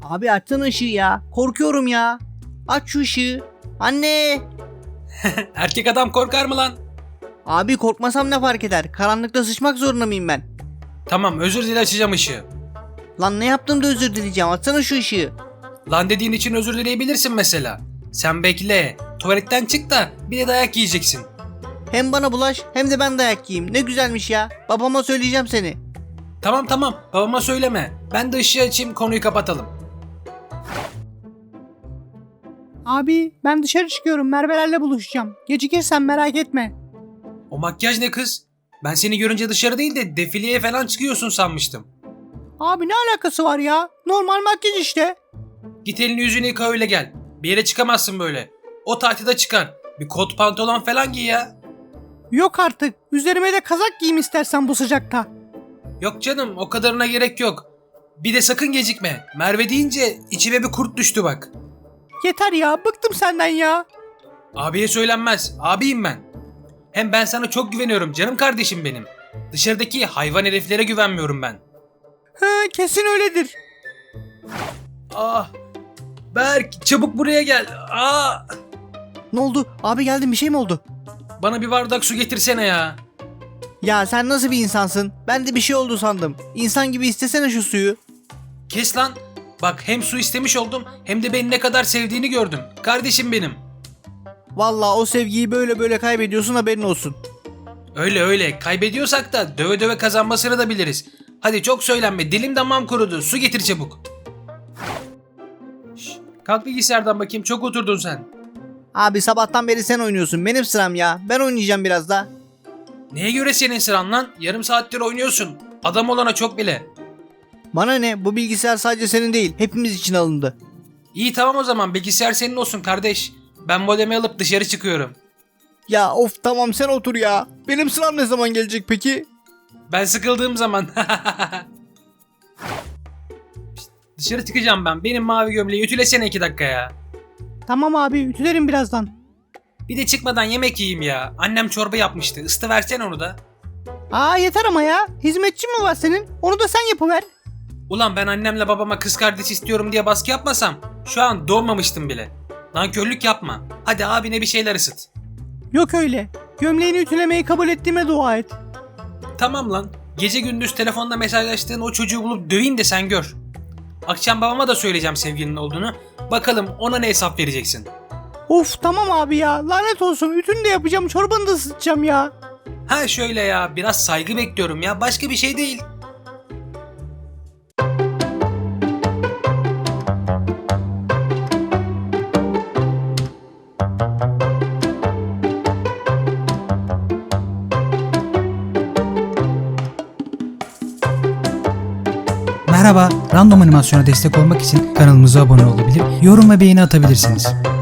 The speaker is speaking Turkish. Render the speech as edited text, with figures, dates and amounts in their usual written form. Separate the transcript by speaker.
Speaker 1: Abi açsana ışığı ya. Korkuyorum ya. Aç şu ışığı. Anne.
Speaker 2: Erkek adam korkar mı lan?
Speaker 1: Abi korkmasam ne fark eder? Karanlıkta sıçmak zorunda mıyım ben?
Speaker 2: Tamam, özür dile, açacağım ışığı.
Speaker 1: Lan ne yaptım da özür dileyeceğim. Açsana şu ışığı.
Speaker 2: Lan dediğin için özür dileyebilirsin mesela. Sen bekle. Tuvaletten çık da bir de dayak yiyeceksin.
Speaker 1: Hem bana bulaş hem de ben dayak yiyeyim. Ne güzelmiş ya. Babama söyleyeceğim seni.
Speaker 2: Tamam, babama söyleme. Ben de ışığı açayım, konuyu kapatalım.
Speaker 3: Abi ben dışarı çıkıyorum, Merve'lerle buluşacağım. Gecikirsen merak etme.
Speaker 2: O makyaj ne kız? Ben seni görünce dışarı değil de defileye falan çıkıyorsun sanmıştım.
Speaker 3: Abi ne alakası var ya? Normal makyaj işte.
Speaker 2: Git elini yüzünü yıka öyle gel. Bir yere çıkamazsın böyle. O tatilde çıkar. Bir kot pantolon falan giy ya.
Speaker 3: Yok artık. Üzerime de kazak giyeyim istersen bu sıcakta.
Speaker 2: Yok canım, o kadarına gerek yok. Bir de sakın gecikme. Merve deyince içime bir kurt düştü bak.
Speaker 3: Yeter ya, bıktım senden ya.
Speaker 2: Abiye söylenmez. Abiyim ben. Hem ben sana çok güveniyorum canım kardeşim benim. Dışarıdaki hayvan heriflere güvenmiyorum ben.
Speaker 3: He, kesin öyledir.
Speaker 2: Ah. Berk, çabuk buraya gel. Ah.
Speaker 1: Ne oldu? Abi geldim, bir şey mi oldu?
Speaker 2: Bana bir bardak su getirsene ya.
Speaker 1: Ya sen nasıl bir insansın? Ben de bir şey oldu sandım. İnsan gibi istesene şu suyu.
Speaker 2: Kes lan. Bak, hem su istemiş oldum hem de beni ne kadar sevdiğini gördüm. Kardeşim benim.
Speaker 1: Vallahi o sevgiyi böyle kaybediyorsun, haberin olsun.
Speaker 2: Öyle kaybediyorsak da döve döve kazanmasını da biliriz. Hadi çok söylenme, dilim damağım kurudu, su getir çabuk. Şş, kalk bilgisayardan bakayım, çok oturdun sen.
Speaker 1: Abi sabahtan beri sen oynuyorsun, benim sıram ya. Ben oynayacağım biraz da.
Speaker 2: Neye göre senin sıran lan? Yarım saattir oynuyorsun. Adam olana çok bile.
Speaker 1: Bana ne, bu bilgisayar sadece senin değil, hepimiz için alındı.
Speaker 2: İyi tamam, o zaman bilgisayar senin olsun kardeş. Ben modemi alıp dışarı çıkıyorum.
Speaker 1: Ya of, tamam sen otur ya. Benim sıram ne zaman gelecek peki?
Speaker 2: Ben sıkıldığım zaman. Şşt, dışarı çıkacağım ben. Benim mavi gömleği ütülesene 2 dakika ya.
Speaker 3: Tamam abi, ütülerim birazdan.
Speaker 2: Bir de çıkmadan yemek yiyeyim ya. Annem çorba yapmıştı. Isıtı versene onu da.
Speaker 3: Aa yeter ama ya. Hizmetçi mi var senin? Onu da sen yapıver.
Speaker 2: Ulan ben annemle babama kız kardeş istiyorum diye baskı yapmasam şu an doğmamıştım bile. Nankörlük yapma. Hadi abine bir şeyler ısıt.
Speaker 3: Yok öyle. Gömleğini ütülemeyi kabul ettiğime dua et.
Speaker 2: Tamam lan. Gece gündüz telefonda mesajlaştığın o çocuğu bulup döveyim de sen gör. Akşam babama da söyleyeceğim sevgilinin olduğunu. Bakalım ona ne hesap vereceksin.
Speaker 3: Of tamam abi ya. Lanet olsun. Ütünü de yapacağım. Çorbanı da ısıtacağım ya.
Speaker 2: Ha şöyle ya, biraz saygı bekliyorum ya, başka bir şey değil.
Speaker 4: Merhaba, Random Animasyon'a destek olmak için kanalımıza abone olabilir, yorum ve beğeni atabilirsiniz.